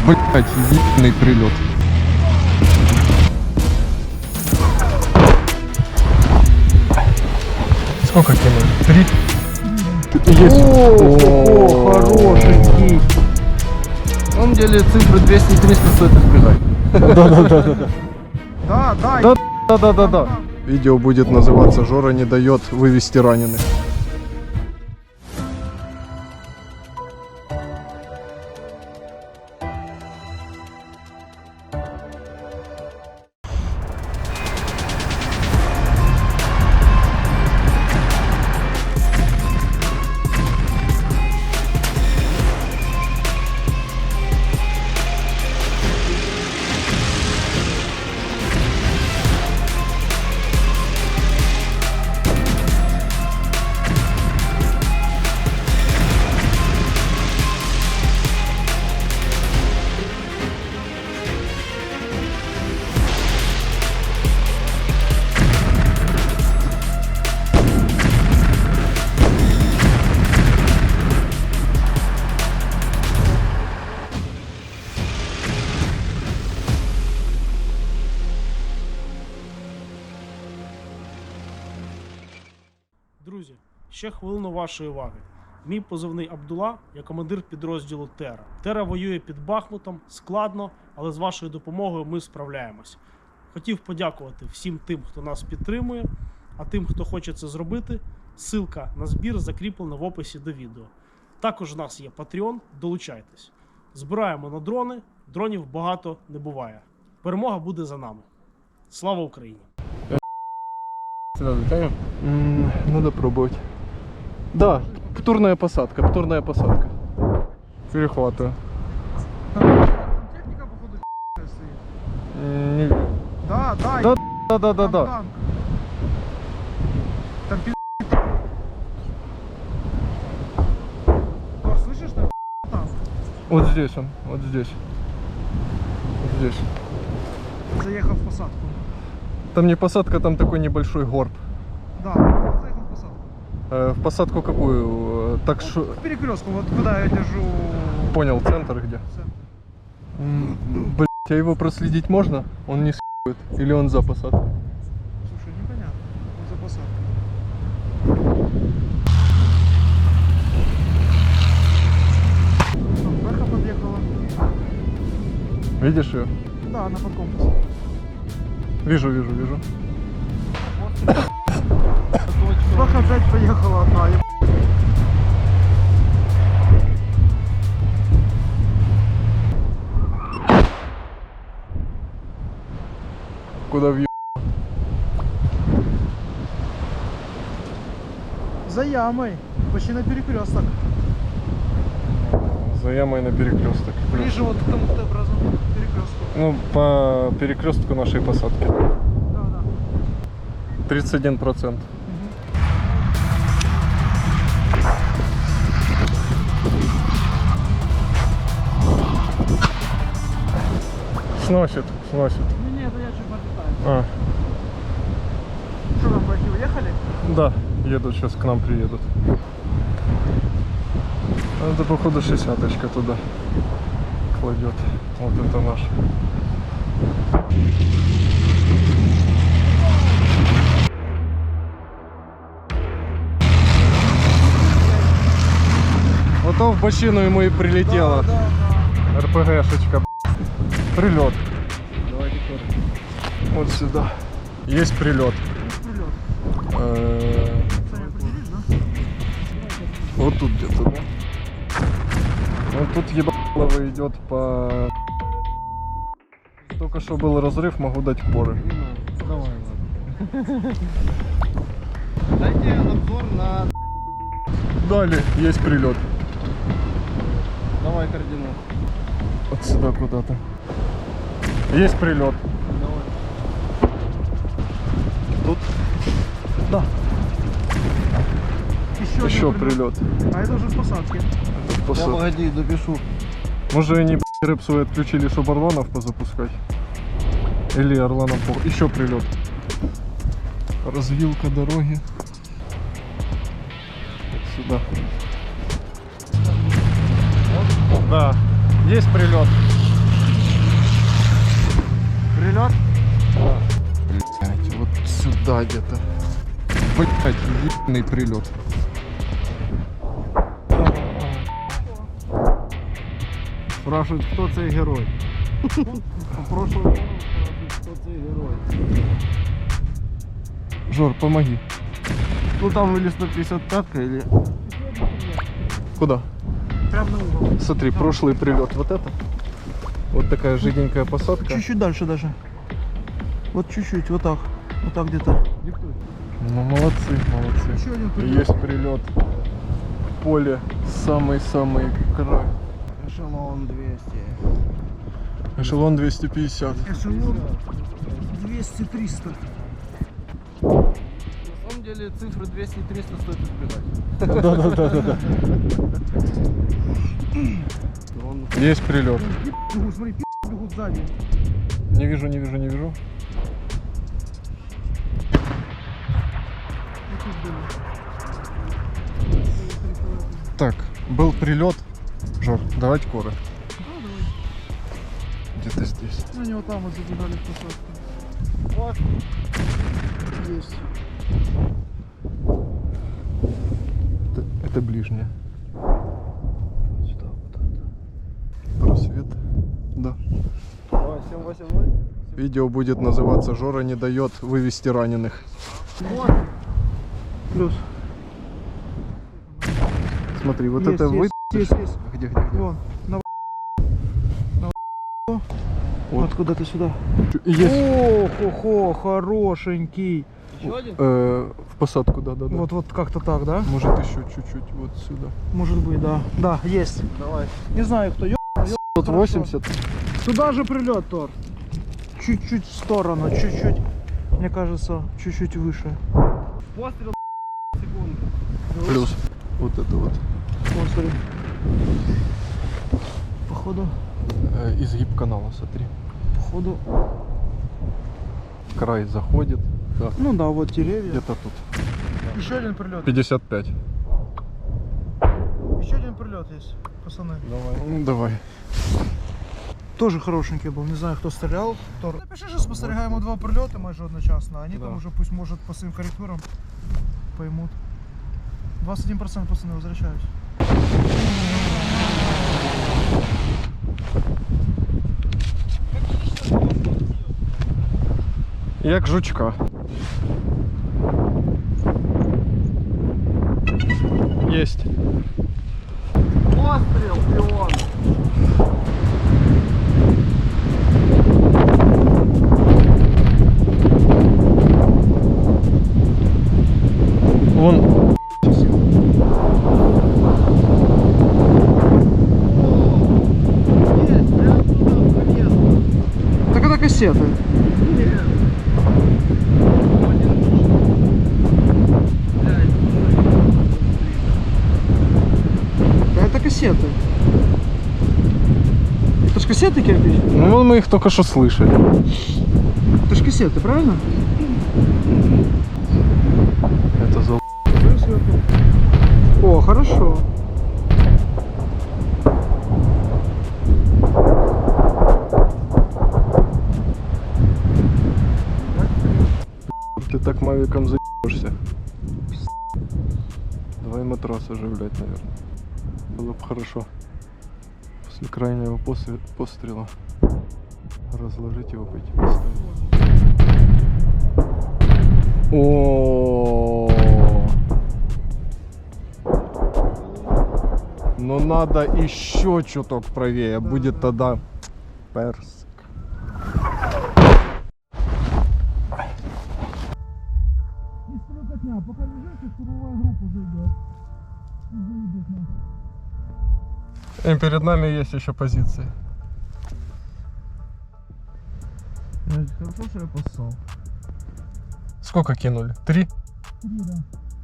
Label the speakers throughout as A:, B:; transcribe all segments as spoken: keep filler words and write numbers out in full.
A: Блять, ебаный прилет. Сколько кинули? Три? Есть.
B: О, хороший кей. На самом деле цифры двести и триста стоит избегать.
A: Да-да-да-да.
B: Да, да.
A: Да, да-да-да-да. Видео будет называться «Жора не дает вывести раненых».
C: Друзі, ще хвилину вашої уваги. Мій позивний Абдула, я командир підрозділу Тера. Тера воює під Бахмутом, складно, але з вашою допомогою ми справляємось. Хотів подякувати всім тим, хто нас підтримує, а тим, хто хоче це зробити, ссылка на збір закріплена в описі до відео. Також у нас є Patreon, долучайтесь. Збираємо на дрони, дронів багато не буває. Перемога буде за нами. Слава Україні!
A: Сюда затянем? М, Надо пробовать. Да, птурная посадка, птурная посадка. Перехватываю.
B: Техника, походу, стоит.
A: М, не-
B: Да, да.
A: Да, да, да, да,
B: там
A: да.
B: танк. Там пи***. Тор, слышишь, там танк?
A: Вот здесь он, вот здесь. Вот здесь.
B: Заехал в посадку.
A: Там не посадка, там такой небольшой горб.
B: Да, он заехал в посадку.
A: Э, в посадку какую? Э, Так что...
B: К перекрестку, вот куда я держу.
A: Понял, центр где?
B: Центр.
A: М, Блять, а его проследить можно? Он не с***ет? Или он за посадкой?
B: Слушай, непонятно. Он за посадкой. Там Бэха подъехала.
A: Видишь ее?
B: Да, она под компас.
A: Вижу, вижу, вижу.
B: Бэха опять поехала одна. еб-
A: Куда въеб...
B: За ямой. Почти на перекресток.
A: За ямой на перекресток.
B: Ближе вот к тому Т-образу перекрестку.
A: Ну, по перекрестку нашей посадки.
B: Да, да.
A: тридцать один процент. Сносит, сносит.
B: Не, не, это я чуть подлетаю.
A: А,
B: Что там, бэхи уехали?
A: да, едут, сейчас к нам приедут. Это, походу, шестидесяточка туда кладет. Вот это наш. Вот то в бочину ему и прилетело.
B: Да, да.
A: РПГшечка. Прилет.
B: Давайте тоже.
A: Вот сюда. Есть прилет.
B: Прилет.
A: Э,
B: Саня, определишь, да?
A: Вот тут где-то, да? Вот тут ебалово идет по... Только что был разрыв, могу дать поры.
B: Давай, ладно. Дайте обзор на...
A: Далее есть прилет.
B: Давай координаты.
A: Вот сюда куда-то. Есть прилет.
B: Давай.
A: Тут? Да.
B: Еще,
A: Еще
B: один
A: прилет.
B: А это уже в посадке.
A: Это в посадке.
B: погоди, допишу.
A: Может, они б***ь, рэп свой отключили, чтобы Орланов позапускать? Или Орланов по... Еще прилет. Развилка дороги. Вот сюда. Да, есть прилет.
B: прилет?
A: Блять, вот сюда где-то. Блять, ебаный прилет.
B: Спрашивают, кто цей герой. Прошлого кто цей герой.
A: Жор, помоги.
B: Ну там или сто пятьдесят пятка, или...
A: Куда?
C: Прямо на угол.
A: Смотри, прошлый прилет вот это. Вот такая жиденькая посадка.
B: Чуть-чуть дальше даже. Вот чуть-чуть, вот так. Вот так где-то.
A: Ну молодцы, молодцы.
B: Еще один прилет.
A: Есть прилет. Поле, самый-самый край.
B: Эшелон двести.
A: Эшелон двести пятьдесят.
B: Эшелон двести триста. На самом деле цифры двести и триста стоит избегать.
A: Да-да-да-да. Есть прилет.
B: Бегут, смотри, пи*** бегут сзади.
A: Не вижу, не вижу, не вижу. Так, был прилет. Жор, давать коры. Где-то здесь.
B: Ну, они вот там вот забежали в посадку. Вот. Есть.
A: Это, это ближняя.
B: Сюда вот это.
A: Просвет. Да.
B: семь восемь ноль.
A: Видео будет называться «Жора не дает вывести раненых».
B: Вот. Плюс.
A: Смотри, вот
B: Есть,
A: это
B: есть,
A: вы...
B: есть, есть.
A: Где, где, где?
B: Вон. На на
A: Вот.
B: Вот куда-то сюда.
A: Есть.
B: О-хо-хо, хорошенький.
C: Еще один?
A: Э, в посадку, да, да, да.
B: Вот, вот как-то так, да?
A: Может еще чуть-чуть вот сюда.
B: Может быть, да. Да, есть.
A: Давай.
B: Не знаю, кто. Ё...
A: Тут восемьдесят.
B: Туда же прилет, Тор. Чуть-чуть в сторону, чуть-чуть. Мне кажется, чуть-чуть выше. Пострел секунды.
A: Плюс. Вот это вот.
B: Вон, смотри. Походу,
A: Э, изгиб канала, смотри.
B: походу.
A: Край заходит. Да.
B: Ну да, вот деревья.
A: Где-то тут.
B: Еще один прилет.
A: пятьдесят пять.
B: Еще один прилет есть, пацаны.
A: Давай. Ну давай.
B: Тоже хорошенький был, не знаю, хто стріляв. Тор. Напиши, що спостерігаємо два прильоти майже одночасно, а вони
A: Да.
B: там уже пусть может по своим корректурам поймут. двадцать один процент пацаны возвращаюсь.
A: Як жучка. Есть.
B: Постріл, піон!
A: Вон.
B: Есть, прям туда полезно. Так это кассеты. Да это кассеты. Это ж кассеты, кирпич?
A: Ну вон мы их только что слышали.
B: Это ж кассеты, правильно?
A: Это за...
B: О, хорошо.
A: Ты так мавиком заебешься. Давай матрас оживлять, наверное. Было бы хорошо. После крайнего после- пострела разложить его, пойти поставить. О, но надо еще чуток правее, будет тогда персик.
B: Не стрелкотня, пока лежишь, и штурмовая группа зайдет. И заедет нас.
A: И перед нами есть еще позиции.
B: Хорошо, что я поссал.
A: Сколько кинули? Три?
B: Три, да.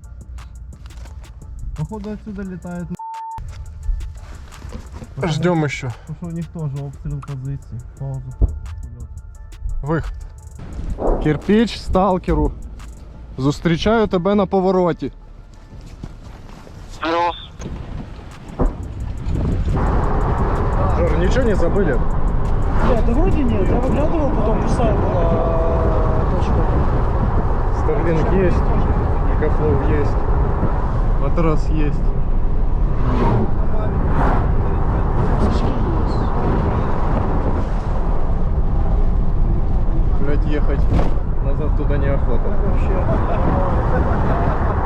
B: Походу отсюда летает.
A: Ждем еще.
B: Потому что у них тоже обстрел позиций. Паузу.
A: Виход. Кирпіч сталкеру. Зустрічаю тебе на повороті. Жор, нічого не забыли?
B: Бля, да вроде нет, я выглядывал, потом пустая была э, точка.
A: Starlink есть, Мегафлоу есть, матрас есть. Блять, ехать назад туда неохота.
B: Вообще.